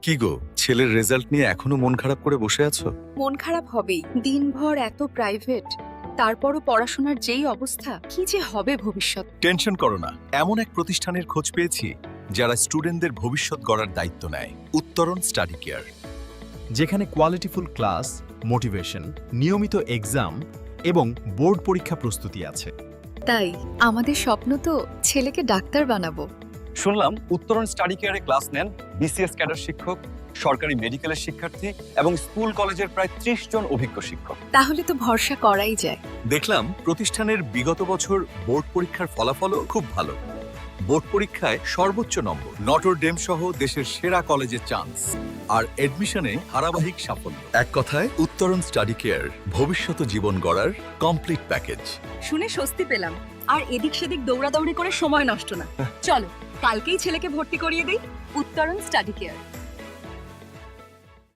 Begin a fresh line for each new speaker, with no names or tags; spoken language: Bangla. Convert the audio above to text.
কি গো, ছেলের রেজাল্ট নিয়ে এখনো মন খারাপ করে বসে আছো?
মন খারাপ হবেই, দিনভর এত প্রাইভেট, তারপরও পড়াশোনার যেই অবস্থা, কি যে হবে ভবিষ্যৎ।
টেনশন করো না, এমন এক প্রতিষ্ঠানের খোঁজ পেয়েছি যারা স্টুডেন্টদের ভবিষ্যৎ গড়ার দায়িত্ব নেয়। উত্তরণ স্টাডি কেয়ার।
যেখানে কোয়ালিটিফুল ক্লাস, মোটিভেশন, নিয়মিত এক্সাম এবং বোর্ড পরীক্ষা প্রস্তুতি আছে।
তাই আমাদের স্বপ্ন তো ছেলেকে ডাক্তার বানাবো।
শুনলাম উত্তরণ স্টাডি কেয়ারে ক্লাস নেন বিসিএস ক্যাডার শিক্ষক, সরকারি মেডিকেলের শিক্ষার্থী এবং স্কুল কলেজের প্রায় ৩০ জন অভিজ্ঞ শিক্ষক।
তাহলে তো ভরসা করাই যায়।
দেখলাম প্রতিষ্ঠানের বিগত বছর বোর্ড পরীক্ষার ফলাফলও খুব ভালো। বোর্ড পরীক্ষায় সর্বোচ্চ নম্বর, নটর ডেম সহ দেশের সেরা কলেজে চান্স, আর এডমিশনে ধারাবাহিক সাফল্য। এক কথায় উত্তরণ স্টাডি কেয়ার, ভবিষ্যৎ জীবন গড়ার কমপ্লিট প্যাকেজ।
শুনে স্বস্তি পেলাম, আর এদিক সেদিক দৌড়াদৌড়ি করে সময় নষ্ট না। চলো কালকেই ছেলেকে ভর্তি করিয়ে দিই উত্তরণ স্টাডি কেয়ার।